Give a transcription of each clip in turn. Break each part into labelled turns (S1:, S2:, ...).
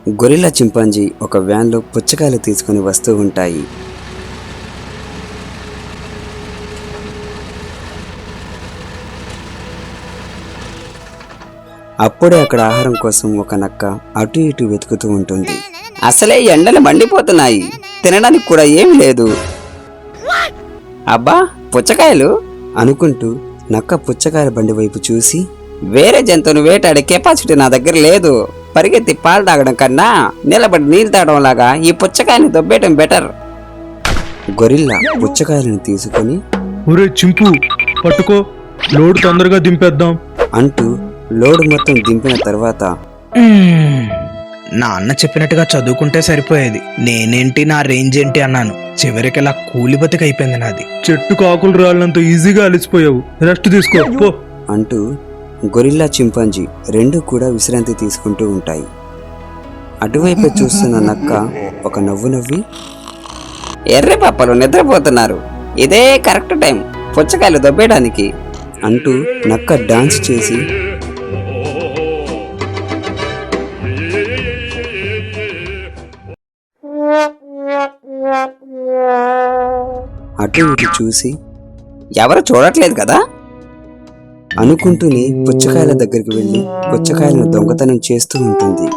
S1: Gorilla chimpanzee ఒక వ్యాన్లో పుచ్చకాయలు తీసుకుని వస్తూ ఉంటాయి. అప్పుడే అక్కడ ఆహారం కోసం ఒక నక్క అటు ఇటు వెతుకుతూ ఉంటుంది. అసలే ఎండలు మండిపోతున్నాయి, తినడానికి కూడా ఏమీ లేదు. అబ్బా పుచ్చకాయలు అనుకుంటూ నక్క పుచ్చకాయల బండి వైపు చూసి, వేరే జంతువును వేటాడే కెపాసిటీ నా దగ్గర లేదు. పరిగెత్తి పాలు తాగడం కన్నా నిలబడి నీళ్ళు తాగడం లాగా ఈ పుచ్చకాయని దొబ్బేయటం బెటర్. గొరిల్లా పుచ్చకాయలను తీసుకుని,
S2: ఒరే చింపు పట్టుకో, లోడ్ తొందరగా దింపేద్దాం
S1: అంటూ లోడు మొత్తం దింపిన తర్వాత,
S3: నా అన్న చెప్పినట్టుగా చదువుకుంటే సరిపోయేది, నేనేంటి నా రేంజ్ ఏంటి అన్నాను. చివరికి ఇలా కూలి బతికైపోయింది నాది.
S2: చెట్టుకు ఆకులు రాళ్ళంత ఈజీగా అలసిపోయావు, రెస్ట్ తీసుకో పో
S1: అంటూ గొరిల్లా చింపాంజీ రెండు కూడా విశ్రాంతి తీసుకుంటూ ఉంటాయి. అటువైపు చూస్తున్న నక్క ఒక నవ్వు నవ్వి, ఎర్రి పప్పలు నిద్రపోతున్నారు, ఇదే కరెక్ట్ టైం పుచ్చకాయలు దొబ్బేయడానికి అంటూ నక్క డాన్స్ చేసి అటు ఇటు చూసి, ఎవరు చూడట్లేదు కదా అనుకుంటూనే పుచ్చకాయల దగ్గరికి వెళ్ళి పుచ్చకాయలను దొంగతనం చేస్తూ ఉంటుంది.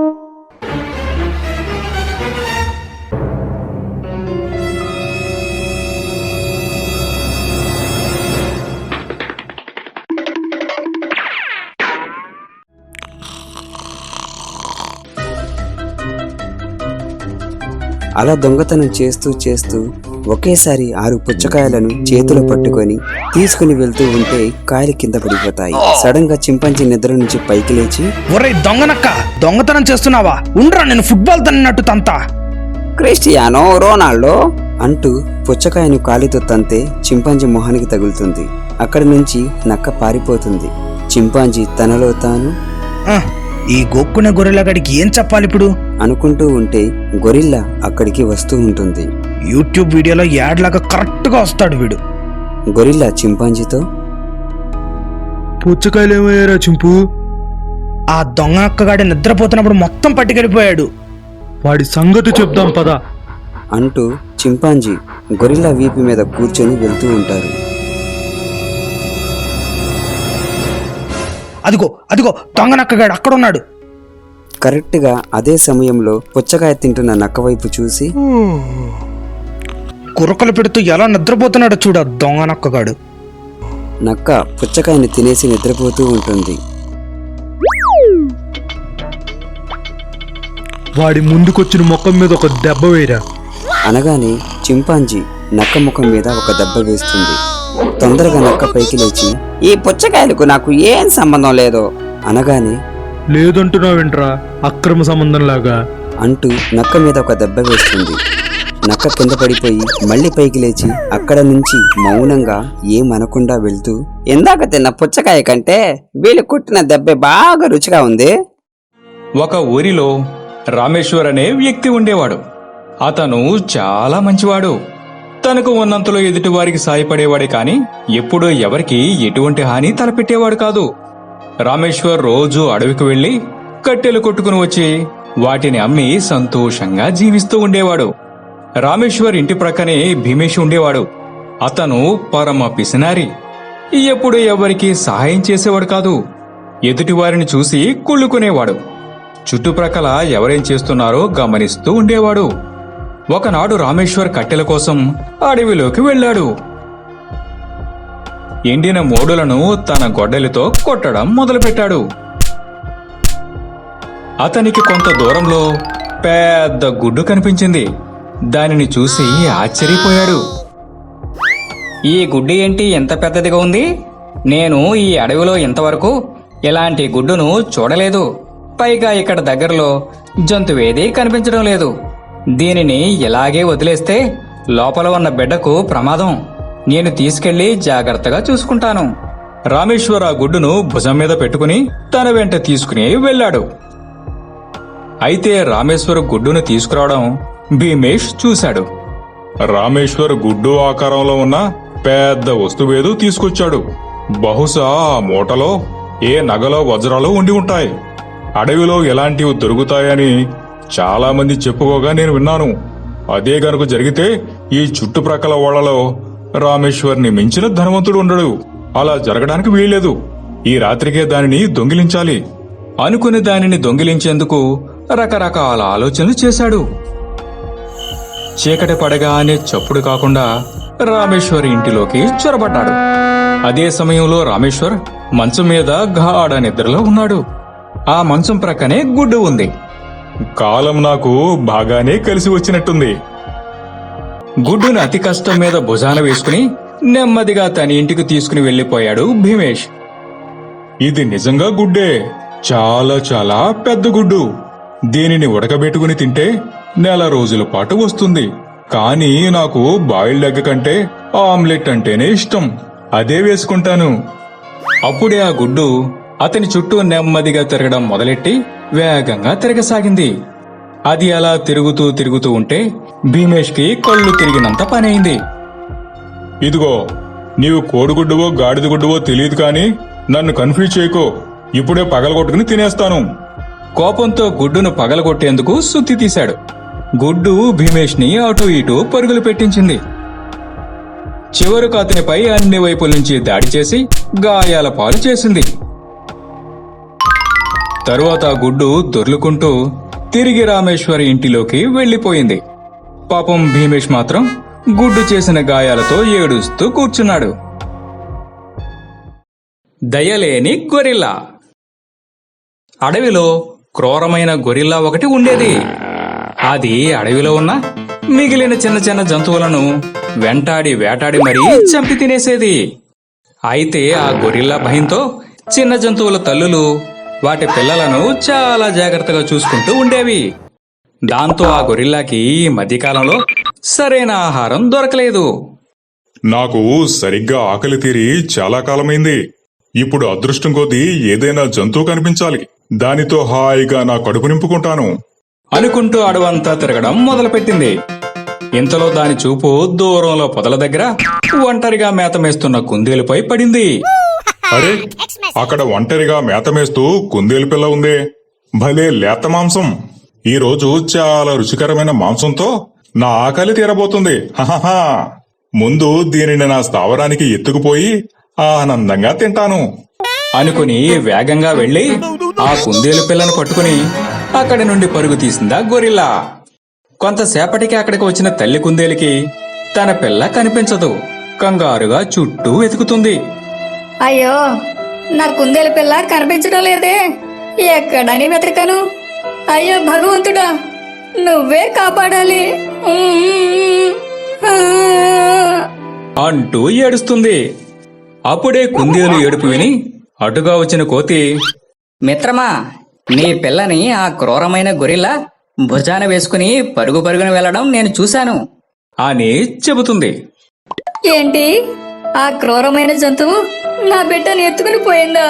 S1: అలా దొంగతనం చేస్తూ చేస్తూ ఒకేసారి 6 పుచ్చకాయలను చేతిలో పట్టుకొని తీసుకుని వెళ్తూ ఉంటే కాయలు కింద పడిపోతాయి. సడన్ గా చింపాంజీ నిద్ర నుంచి పైకి లేచి,
S3: ఒరే దొంగనక్క, దొంగతనం చేస్తున్నావా? ఉండ్రా, నేను ఫుట్బాల్ తన్నినట్టు తంతా.
S1: క్రిస్టియానో రొనాల్డో అంటూ పుచ్చకాయను కాలితో తంతే చింపాంజీ మొహానికి తగులుతుంది. అక్కడి నుంచి నక్క పారిపోతుంది. చింపాంజీ తనలో తాను,
S3: ఈ గొక్కునే గొర్రెలగాడికి ఏం చెప్పాలి ఇప్పుడు
S1: అనుకుంటూ ఉంటే గొరిల్లా అక్కడికి వస్తూ ఉంటుంది.
S3: యూట్యూబ్ వీడియోలో యాడ్ లాగా కరెక్ట్ గా వస్తాడు వీడు.
S1: గొరిల్లా చింపాంజీతో,
S2: పుచ్చకాయలు ఏమయ్యారా చింపు?
S3: ఆ దొంగ అక్కగాడి నిద్రపోతున్నప్పుడు మొత్తం పట్టుకెళ్ళిపోయాడు.
S2: వాడి సంగతి చెప్దాం పద
S1: అంటూ చింపాంజీ గొరిల్లా వీపు మీద కూర్చొని వెళ్తూ ఉంటారు.
S3: అదిగో అదిగో దొంగనక్కగాడు అక్కడున్నాడు.
S1: కరెక్ట్గా అదే సమయంలో పుచ్చకాయ తింటున్న నక్క వైపు చూసి,
S3: కురకలు పెడుతూ ఎలా నిద్రపోతున్నాడో చూడ దొంగనక్కగాడు.
S1: నక్క పుచ్చకాయని తినేసి నిద్రపోతూ ఉంటుంది.
S2: వాడి ముందుకొచ్చిన ముఖం మీద ఒక దెబ్బ వేయరా
S1: అనగానే చింపాంజీ నక్క ముఖం మీద ఒక దెబ్బ వేస్తుంది. తొందరగా నక్క పైకి లేచి, ఈ పుచ్చకాయలకు నాకు ఏం సంబంధం లేదు అనగానే,
S2: లేదంటున్నావేంట్రా అక్రమ సంబంధం లాగా
S1: అంటూ నక్క మీద ఒక దెబ్బ వేస్తుంది. నక్క కింద పడిపోయి మళ్ళీ పైకి లేచి అక్కడ నుంచి మౌనంగా ఏమనకుండా వెళ్తూ, ఇందాక తిన్న పుచ్చకాయ కంటే వీళ్ళు కుట్టిన దెబ్బ బాగా రుచిగా ఉంది.
S4: ఒక ఊరిలో రామేశ్వర్ అనే వ్యక్తి ఉండేవాడు. అతను చాలా మంచివాడు. తనకు ఉన్నంతలో ఎదుటివారికి సాయపడేవాడే కాని ఎప్పుడూ ఎవరికి ఎటువంటి హాని తలపెట్టేవాడు కాదు. రామేశ్వర్ రోజు అడవికి వెళ్లి కట్టెలు కొట్టుకుని వచ్చి వాటిని అమ్మి సంతోషంగా జీవిస్తూ ఉండేవాడు. రామేశ్వర్ ఇంటి ప్రక్కనే భీమేష్ ఉండేవాడు. అతను పరమ పిసినారి. ఎప్పుడూ ఎవరికి సహాయం చేసేవాడు కాదు. ఎదుటివారిని చూసి కుళ్ళుకునేవాడు. చుట్టుప్రక్కల ఎవరేం చేస్తున్నారో గమనిస్తూ ఉండేవాడు. ఒకనాడు రామేశ్వర్ కట్టెల కోసం అడవిలోకి వెళ్ళాడు. ఎండిన మోడులను తన గొడ్డలితో కొట్టడం మొదలుపెట్టాడు. అతనికి కొంత దూరంలో పెద్ద గుడ్డు కనిపించింది. దానిని చూసి ఆశ్చర్యపోయాడు.
S5: ఈ గుడ్డు ఏంటి ఎంత పెద్దదిగా ఉంది? నేను ఈ అడవిలో ఇంతవరకు ఇలాంటి గుడ్డును చూడలేదు. పైగా ఇక్కడ దగ్గరలో జంతువేదీ కనిపించడం లేదు. దీనిని ఇలాగే వదిలేస్తే లోపల ఉన్న బిడ్డకు ప్రమాదం. నేను తీసుకెళ్లి జాగ్రత్తగా చూసుకుంటాను.
S4: రామేశ్వర్ ఆ గుడ్డును భుజం మీద పెట్టుకుని తన వెంట తీసుకుని వెళ్ళాడు. అయితే రామేశ్వర్ గుడ్డును తీసుకురావడం భీమేష్ చూశాడు.
S6: రామేశ్వర్ గుడ్డు ఆకారంలో ఉన్న పెద్ద వస్తువేదో తీసుకొచ్చాడు. బహుశా ఆ మూటలో ఏ నగలో వజ్రాలు ఉండి ఉంటాయి. అడవిలో ఎలాంటివి దొరుకుతాయని చాలా మంది చెప్పుకోగా నేను విన్నాను. అదే గనుక జరిగితే ఈ చుట్టుప్రక్కల ఓళ్లలో రామేశ్వర్ని మించిన ధనవంతుడు ఉండడు. అలా జరగడానికి వీల్లేదు. ఈ రాత్రికే దానిని దొంగిలించాలి
S4: అనుకుని దానిని దొంగిలించేందుకు రకరకాల ఆలోచనలు చేశాడు. చీకటి పడగానే చప్పుడు కాకుండా రామేశ్వర్ ఇంటిలోకి చొరబడ్డాడు. అదే సమయంలో రామేశ్వర్ మంచం మీద గాఢ నిద్రలో ఉన్నాడు. ఆ మంచం ప్రక్కనే గుడ్డు ఉంది.
S6: కాలం నాకు బాగానే కలిసి వచ్చినట్టుంది.
S4: గుడ్డును అతి కష్టం మీద భుజాన వేసుకుని నెమ్మదిగా తన ఇంటికి తీసుకుని వెళ్లిపోయాడు భీమేష్.
S6: ఇది నిజంగా గుడ్డే. చాలా చాలా పెద్ద గుడ్డు. దీనిని ఉడకబెట్టుకుని తింటే నెల రోజుల పాటు వస్తుంది. కానీ నాకు బాయిల్డ్ ఎగ్ కంటే ఆమ్లెట్ అంటేనే ఇష్టం. అదే వేసుకుంటాను.
S4: అప్పుడే ఆ గుడ్డు అతని చుట్టూ నెమ్మదిగా తిరగడం మొదలెట్టి వేగంగా తిరగసాగింది. అది అలా తిరుగుతూ తిరుగుతూ ఉంటే భీమేష్కి కళ్ళు తిరిగినంత పనైంది.
S6: ఇదిగో, నీవు కోడిగుడ్డువో గాడిద గుడ్డువో తెలియదు కానీ నన్ను కన్ఫ్యూజ్ చేయకో. ఇప్పుడే పగలగొట్టుకుని తినేస్తాను.
S4: కోపంతో గుడ్డును పగలగొట్టేందుకు సుత్తి తీశాడు. గుడ్డు భీమేష్ ని అటూ ఇటూ పరుగులు పెట్టించింది. చివరకు అతనిపై అన్ని వైపుల నుంచి దాడి చేసి గాయాల పాలు చేసింది. తరువాత ఆ గుడ్డు దొర్లుకుంటూ తిరిగి రామేశ్వరి ఇంటిలోకి వెళ్లిపోయింది. పాపం భీమేష్ మాత్రం గుడ్డు చేసిన గాయాలతో ఏడుస్తూ కూర్చున్నాడు. దయలేని గొరిల్లా. అడవిలో క్రూరమైన గొరిల్లా ఒకటి ఉండేది. అది అడవిలో ఉన్న మిగిలిన చిన్న చిన్న జంతువులను వెంటాడి వేటాడి మరీ చంపి తినేసేది. అయితే ఆ గొరిల్లా భయంతో చిన్న జంతువుల తల్లులు వాటి పిల్లలను చాలా జాగ్రత్తగా చూసుకుంటూ ఉండేవి. దాంతో ఆ గొరిల్లాకి ఈ మధ్యకాలంలో సరైన ఆహారం దొరకలేదు.
S6: నాకు సరిగ్గా ఆకలి తీరి చాలా కాలమైంది. ఇప్పుడు అదృష్టం కొద్దీ ఏదైనా జంతువు కనిపించాలి. దానితో హాయిగా నా కడుపు నింపుకుంటాను
S4: అనుకుంటూ అడవంతా తిరగడం మొదలుపెట్టింది. ఇంతలో దాని చూపు దూరంలో పొదల దగ్గర ఒంటరిగా మేతమేస్తున్న కుందేలుపై పడింది.
S6: అరే, అక్కడ ఒంటరిగా మేతమేస్తూ కుందేలు పిల్ల ఉందే. భలే లేత మాంసం. ఈ రోజు చాలా రుచికరమైన మాంసంతో నా ఆకలి తీరబోతుంది. హహహా. ముందు దీనిని నా స్థావరానికి ఎత్తుకుపోయి ఆనందంగా తింటాను
S4: అనుకుని వేగంగా వెళ్లి ఆ కుందేలు పిల్లను పట్టుకుని అక్కడి నుండి పరుగు తీసిందా గొరిల్లా. కొంతసేపటికి అక్కడికి వచ్చిన తల్లి కుందేలుకి తన పిల్ల కనిపించదు. కంగారుగా చుట్టూ వెతుకుతుంది.
S7: అయ్యో, నా కుందేలు పిల్ల కనిపించడం లేదే. ఎక్కడని వెతకను? అయ్యో భగవంతుడా, నువ్వే కాపాడాలి
S4: అంటూ ఏడుస్తుంది. అప్పుడే కుందేలు ఏడుపు విని అటుగా వచ్చిన కోతి,
S5: మిత్రమా, నీ పిల్లని ఆ క్రూరమైన గొరిల్లా భుజాన వేసుకుని పరుగు పరుగున వెళ్లడం నేను చూశాను
S4: అని చెబుతుంది.
S7: ఏంటి? ఆ క్రూరమైన జంతువు నా బిడ్డను ఎత్తుకుని పోయిందా?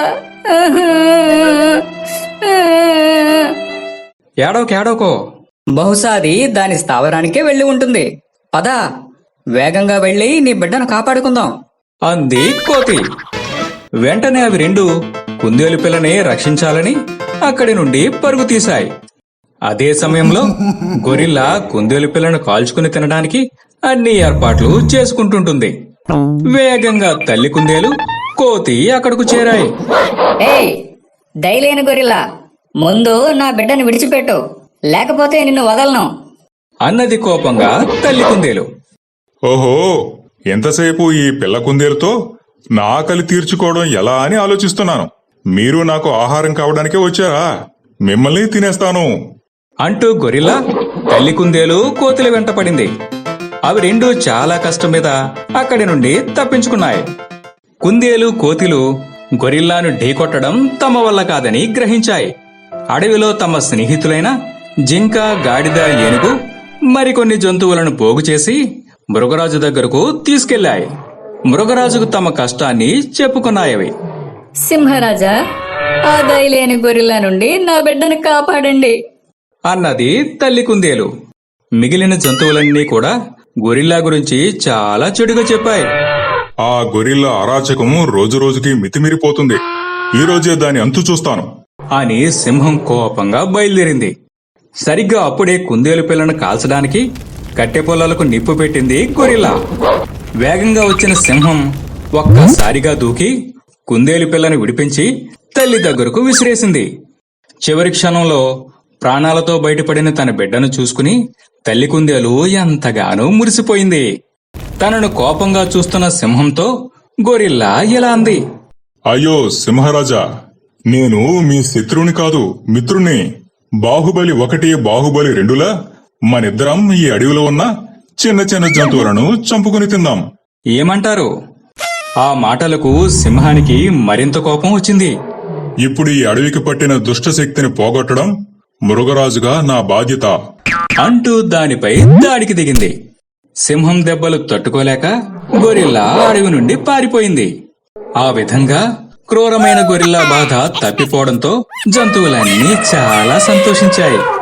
S4: ఏడోకో
S5: బహుశా అది దాని స్థావరానికే వెళ్లి ఉంటుంది. పద, వేగంగా వెళ్లి నీ బిడ్డను కాపాడుకుందాం
S4: అంది కోతి. వెంటనే అవి రెండు కుందేలు పిల్లని రక్షించాలని అక్కడి నుండి పరుగు తీశాయి. అదే సమయంలో గొరిల్లా కుందేలు పిల్లను కాల్చుకుని తినడానికి అన్ని ఏర్పాట్లు చేసుకుంటుంటుంది. వేగంగా తల్లి కుందేలు, కోతి అక్కడకు చేరాయి.
S7: ఏయ్, దయలేని గొరిల్లా, ముందు నా బిడ్డను విడిచిపెట్టు, లేకపోతే నిన్ను వదలను
S4: అన్నది కోపంగా తల్లి కుందేలు.
S6: ఓహో, ఎంతసేపు ఈ పిల్ల కుందేలుతో నా ఆకలి తీర్చుకోవడం ఎలా అని ఆలోచిస్తున్నాను. మీరు నాకు ఆహారం కావడానికే వచ్చారా? మిమ్మల్ని తినేస్తాను
S4: అంటూ గొరిల్లా తల్లి కుందేలు కోతుల వెంట పడింది. అవి రెండూ చాలా కష్టం మీద అక్కడి నుండి తప్పించుకున్నాయి. కుందేలు కోతిలు గొరిల్లాను ఢీకొట్టడం తమ వల్ల కాదని గ్రహించాయి. అడవిలో తమ స్నేహితులైన జింక, గాడిద, ఏనుగు మరికొన్ని జంతువులను పోగు చేసి మృగరాజు దగ్గరకు తీసుకెళ్లాయి. మృగరాజుకు తమ కష్టాన్ని చెప్పుకున్నాయవి.
S7: సింహరాజా, ఆ దయలేని గొరిల్లా నుండి నా బిడ్డను కాపాడండి
S4: అన్నది తల్లి కుందేలు. మిగిలిన జంతువులన్నీ కూడా గొరిల్లా గురించి చాలా చెడుగా చెప్పాయి.
S6: ఆ గొరిల్లా అరాచకం రోజురోజుకి మితిమిరిపోతుంది. ఈ రోజే దాని అంతు చూస్తాను
S4: అని సింహం కోపంగా బయలుదేరింది. సరిగ్గా అప్పుడే కుందేలు పిల్లను కాల్చడానికి కట్టె పొలాలకు నిప్పు పెట్టింది గొరిల్లా. వేగంగా వచ్చిన సింహం ఒక్కసారిగా దూకి కుందేలు పిల్లను విడిపించి తల్లి దగ్గరకు విసిరేసింది. చివరి క్షణంలో ప్రాణాలతో బయటపడిన తన బిడ్డను చూసుకుని తల్లి కుందేలు ఎంతగానో మురిసిపోయింది. తనను కోపంగా చూస్తున్న సింహంతో గొరిల్లా ఇలా అంది.
S6: అయ్యో సింహరాజా, నేను మీ శత్రువుని కాదు, మిత్రుణ్ణి. బాహుబలి 1, బాహుబలి 2లా మనిద్దరం ఈ అడవిలో ఉన్న చిన్న చిన్న జంతువులను చంపుకుని తిందాం.
S4: ఏమంటారు? ఆ మాటలకు సింహానికి మరింత కోపం వచ్చింది.
S6: ఇప్పుడు ఈ అడవికి పట్టిన దుష్టశక్తిని పోగొట్టడం మృగరాజుగా నా బాధ్యత
S4: అంటూ దానిపై దాడికి దిగింది. సింహం దెబ్బలు తట్టుకోలేక గొరిల్లా అడవి నుండి పారిపోయింది. ఆ విధంగా క్రూరమైన గొరిల్లా బాధ తప్పిపోవడంతో జంతువులన్నీ చాలా సంతోషించాయి.